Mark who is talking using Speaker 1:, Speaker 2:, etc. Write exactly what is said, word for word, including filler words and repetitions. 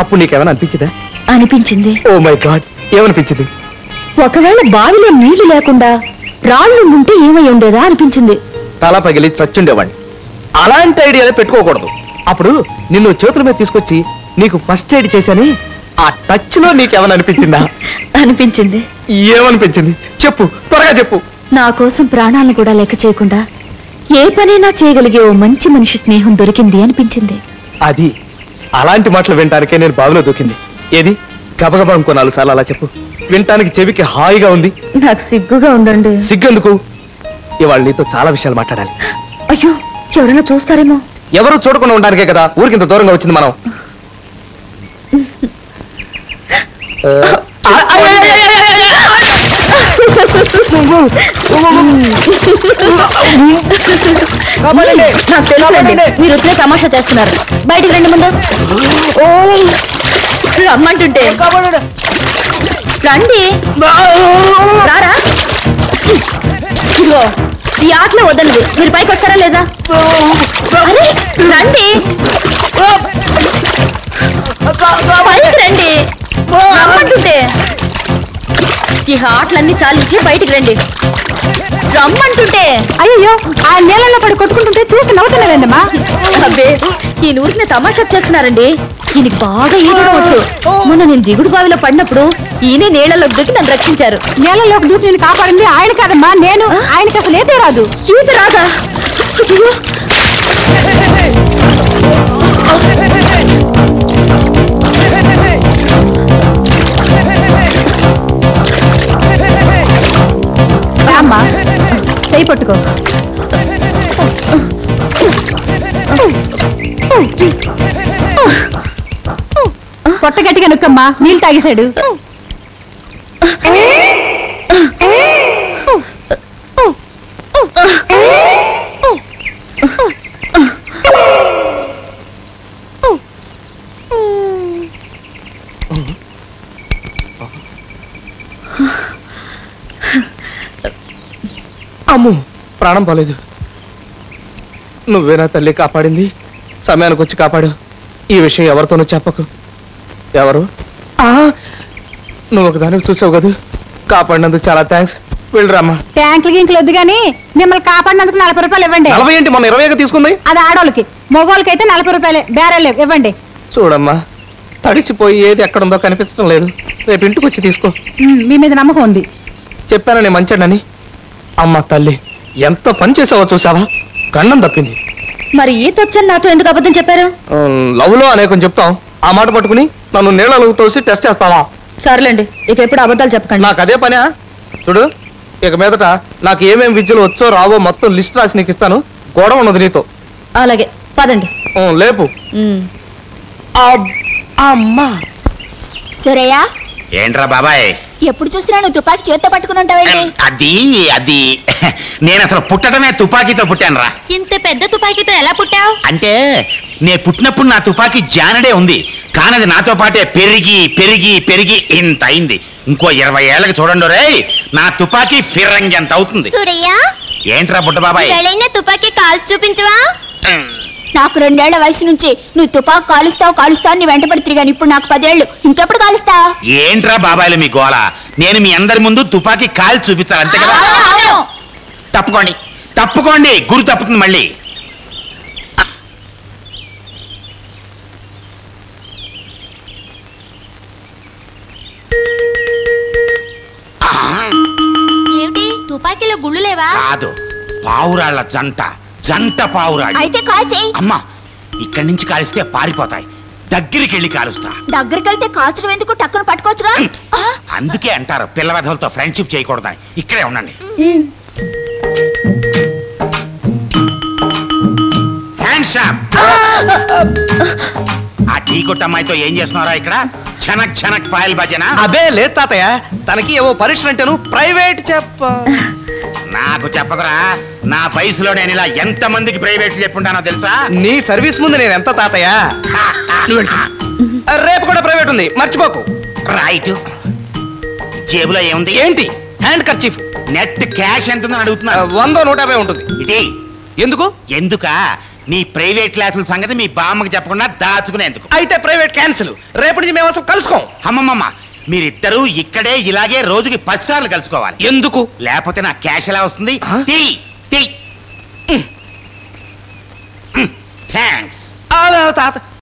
Speaker 1: అప్పుడు నీకేమైనా అనిపించిందా?
Speaker 2: అనిపించింది.
Speaker 1: ఓ మై గాడ్, ఏమనిపించింది?
Speaker 2: ఒకవేళ బావిలో నీళ్లు లేకుండా రాళ్ళు ఉంటే ఏమై ఉండేదా అనిపించింది.
Speaker 1: తల పగిలి చచ్చుండేవాడిని. అలాంటి ఐడియాలే పెట్టుకోకూడదు. అప్పుడు నిన్ను చేతుల మీద తీసుకొచ్చి నీకు ఫస్ట్ ఎయిడ్ చేశాని ఆ టచ్ లో నీకేమైనా అనిపించిందా?
Speaker 2: అనిపించింది.
Speaker 1: ఏమనిపించింది చెప్పు, త్వరగా చెప్పు.
Speaker 2: నా కోసం ప్రాణాలను కూడా లెక్క చేయకుండా ఏ పనైనా చేయగలిగే ఓ మంచి మనిషి స్నేహం దొరికింది అనిపించింది.
Speaker 1: అది అలాంటి మాటలు వినటానికే నేను బావిలో దూకింది. ఏది గబగబా ఇంకో నాలుగు సార్లు అలా చెప్పు, వినటానికి చెవికి హాయిగా ఉంది.
Speaker 2: నాకు సిగ్గుగా ఉందండి.
Speaker 1: సిగ్గెందుకు? ఇవాళ నీతో చాలా విషయాలు మాట్లాడాలి.
Speaker 2: అయ్యో, ఎవరైనా చూస్తారేమో.
Speaker 1: ఎవరు చూడకుండా ఉండడానికే కదా ఊరికింత దూరంగా వచ్చింది మనం.
Speaker 2: మీరు వచ్చే తమాషా చేస్తున్నారు. బయటికి రండి ముందు. రమ్మంటుంటే రండి. రారా. ఇదిగో ఈ ఆటలో వదలదు. మీరు పైకి వస్తారా లేదా? అరే రండి, పైకి రండి. రమ్మంటుంటే ఈ ఆటలన్నీ చాలించి బయటికి రండి. రమ్మంటుంటే. అయ్యో, ఆ నీళ్ళలో పడి కొట్టుకుంటుంటే చూసి నవ్వుతున్నారండమ్మా. అబ్బే, ఈ ఊరికి తమాషా చేస్తున్నారండి. ఈయనకి బాగా ఈదడం వచ్చు. మొన్న నేను దిగుడు బావిలో పడినప్పుడు ఈయనే నీళ్ళలోకి దూకి నన్ను రక్షించారు. నీళ్ళలోకి దూకి నేను కాపాడింది ఆయన కాదమ్మా, నేను. ఆయనకి అసలు ఈత రాదు. ఈత రాదా? అమ్మా, చేయి పట్టుకో. పొట్ట గట్టిగా నొక్కమ్మా, నీళ్ళు తాగేశాడు.
Speaker 1: అమ్ము, ప్రాణం పోలేదు. నువ్వేనా తల్లి కాపాడింది? సమయానికి వచ్చి కాపాడు. ఈ విషయం ఎవరితోనూ చెప్పకు. ఎవరు? నువ్వు ఒకదానికి చూసావు కదా. కాపాడినందుకు చాలా థ్యాంక్స్. వెళ్ళరామ్మా.
Speaker 2: ట్యాంకులు గింకులు వద్దు గానీ మిమ్మల్ని కాపాడినందుకు నలభై రూపాయలు ఇవ్వండి.
Speaker 1: నలభై ఏంటి, మొన్న ఇరవైగా తీసుకుంది.
Speaker 2: అది ఆడోళ్ళకి. మగోళ్ళకి అయితే నలభై రూపాయలే. బేరాలు ఇవ్వండి.
Speaker 1: చూడమ్మా, తడిసిపోయి ఏది ఎక్కడుందో కనిపించడం లేదు. రేపు ఇంటికి వచ్చి తీసుకో.
Speaker 2: మీ మీద నమ్మకం ఉంది.
Speaker 1: చెప్పాను నేను మంచాడని. అమ్మ తల్లి, ఎంత పని చేసావో చూసావా? గండం తప్పింది.
Speaker 2: మరి ఈత వచ్చని నాతో ఎందుకు అబద్ధం చెప్పారు?
Speaker 1: లవ్ లో అనేకం చెప్తాం, ఆ మాట పట్టుకుని నన్ను నీళ్ళలో తోసి టెస్ట్ చేస్తావా?
Speaker 2: సర్లేండి, ఇక ఎప్పుడు అబద్ధాలు చెప్పకండి.
Speaker 1: నాకు అదే పనా? చూడు, ఇక మీదట నాకు ఏమేమి విద్యలు వచ్చో రావో మొత్తం లిస్ట్ రాసి నీకు ఇస్తాను. గొడవ ఉన్నది నీతో.
Speaker 2: అలాగే, పదండి.
Speaker 1: లేపు. అమ్మా.
Speaker 3: సరేయా?
Speaker 4: ఏంట్రా బాబాయ్,
Speaker 3: ఎప్పుడు చూసినా నువ్వు తుపాకీ చేత్తో పట్టుకుని ఉంటావేంటి?
Speaker 4: అది అది నేను అసలు పుట్టడమే తుపాకీతో పుట్టాను రా.
Speaker 3: ఇంత పెద్ద తుపాకీతో ఎలా పుట్టావు?
Speaker 4: అంటే నే పుట్టినప్పుడు నా తుపాకీ జానడే ఉంది, కానీ అది నాతో పాటే పెరిగి పెరిగి పెరిగి ఇంత అయింది. ఇంకో ఇరవై ఏళ్ళకి చూడండి రే, నా తుపాకీ ఫిరంగి ఎంత అవుతుంది.
Speaker 3: సూరయ్య,
Speaker 4: ఏంట్రా బుట్ట బాబాయ్,
Speaker 3: తుపాకీ కాల్చి చూపించవా? నాకు రెండేళ్ల వయసు నుంచి నువ్వు తుపాకు కాలుస్తావు కాలుస్తావు నీ వెంటపడి తిరిగాను. ఇప్పుడు నాకు పదేళ్లు, ఇంకెప్పుడు కాలుస్తావు?
Speaker 4: ఏంట్రా బాబాయ్లు మీ గోల? నేను మీ అందరి ముందు తుపాకీ కాల్చి చూపిస్తాను అంతే కదా. తప్పుకోండి తప్పుకోండి, గురి తప్పుతుంది మళ్ళీ.
Speaker 3: ఏమిటి, తుపాకీలో గుళ్ళు లేవా?
Speaker 4: కాదు, పావురాళ్ల జంట జంట పావురాళ్ళు.
Speaker 3: అయితే కాల్ చేయి.
Speaker 4: అమ్మా, ఇక్కడి నుంచి కాలిస్తే పారిపోతాయి, దగ్గరికి వెళ్ళి కాలుస్తా.
Speaker 3: దగ్గరికి వెళ్తే కాల్చడం ఎందుకు, టక్కును పట్టుకోవచ్చుగా.
Speaker 4: అందుకే అంటారు పిల్ల వెధవలతో ఫ్రెండ్షిప్ చేయకూడదని. ఇక్కడే ఉండండి. ఆ టీ కొట్టు అమ్మాయితో ఏం చేస్తున్నారా ఇక్కడ? ఛనక్ ఛనక్ పాయల్ భజన.
Speaker 1: అదే లేదు తాతయ్య, తనకి ఏవో పరీక్ష అంటేను ప్రైవేట్ చెప్ప.
Speaker 4: నాకు చెప్పదురా, నా వయసులో నేను ఇలా ఎంత మందికి ప్రైవేట్ చెప్పుంటానో తెలుసా?
Speaker 1: నీ సర్వీస్ ముందు నేను ఎంత తాతయ్య. రేపు కూడా ప్రైవేట్ ఉంది, మర్చిపోకు.
Speaker 4: రైట్. జేబులో ఏముంది?
Speaker 1: ఏంటి? Hand kerchief.
Speaker 4: నెట్ క్యాష్ ఎంత అడుగుతున్నా?
Speaker 1: వందో నూట యాభై ఉంటుంది.
Speaker 4: ఇటీ.
Speaker 1: ఎందుకు?
Speaker 4: ఎందుక నీ ప్రైవేట్ క్లాసుల సంగతి మీ బామ్మకి చెప్పకుండా దాచుకునేందుకు.
Speaker 1: అయితే ప్రైవేట్ క్యాన్సిల్. రేపటి నుంచి మేము అసలు కలుసుకోం.
Speaker 4: అమ్మమ్మమ్మ, మీరిద్దరూ ఇక్కడే ఇలాగే రోజుకి పది సార్లు కలుసుకోవాలి.
Speaker 1: ఎందుకు?
Speaker 4: లేకపోతే నా క్యాష్ ఎలా వస్తుంది?
Speaker 1: ఆ?
Speaker 4: తీ తీ